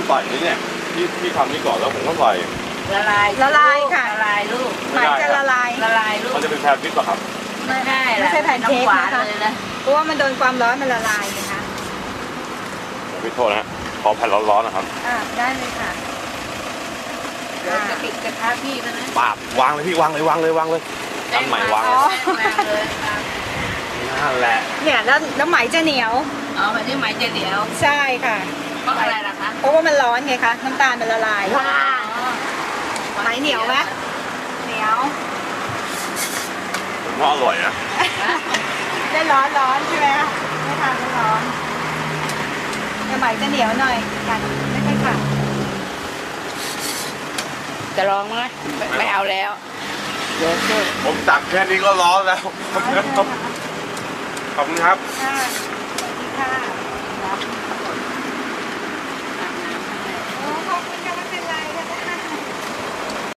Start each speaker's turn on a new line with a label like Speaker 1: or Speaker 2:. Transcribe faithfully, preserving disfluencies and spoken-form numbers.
Speaker 1: ใส่นี่เนี่ยที่ที่ทำนี่ก่อนแล้วผมก็ใส่
Speaker 2: ละลาย
Speaker 3: ละลายค่ะ
Speaker 2: ละลายลูก
Speaker 3: ไหมจะละลาย
Speaker 2: ละลายลูก
Speaker 1: มันจะเป็นแพนพิษป่ะครับ
Speaker 2: ไม่ใช่
Speaker 3: ไม่ใช่แผ่นเค้ก
Speaker 2: ำหวาน
Speaker 3: นะคะ
Speaker 2: เลยนะ
Speaker 3: เพราะว่ามันโดนความร้อนมันละลายนะคะ
Speaker 1: พี่โทษนะฮะขอแผ่นร้อนๆนะครับ
Speaker 3: อ่าได้เลยค่ะ
Speaker 2: เดี๋ยวจะปิดกระทะพี่กันนะ
Speaker 1: ปาบวางเลยพี่วางเลยวางเลยวางเลยอันใหม่วางเลย
Speaker 2: แป้งมาเลยครับ
Speaker 1: นั่นแหละ
Speaker 3: เนี่ยแล้วแล้วไหมจะเหนียว
Speaker 2: เอาไปที่ไหมจะเดี๋ยว
Speaker 3: ใช่ค่ะ
Speaker 2: เพราะอะไรล่ะคะ
Speaker 3: เพราะว่ามันร้อนไงคะน้ำตาลมันละลาย
Speaker 2: ว้า
Speaker 3: ไหมเหนียวไหมเหนียว
Speaker 1: ผมว่าอร่อยนะ
Speaker 3: ได้ร้อนร้อนใช่ไหมคะไม่ทานไม่ร้อนแต่ไหมจะเหนียวหน่อยกันไม่ค่อยขาด
Speaker 2: จะลองไหมไม่ไม่เอาแล้วเดี๋ยวช่วย
Speaker 1: ผมตักแค่นี้ก็ร้อนแล้ว
Speaker 3: ร้อนเลยค่ะ
Speaker 1: ขอบคุณครับ
Speaker 3: ค่ะสวัสดีค่ะ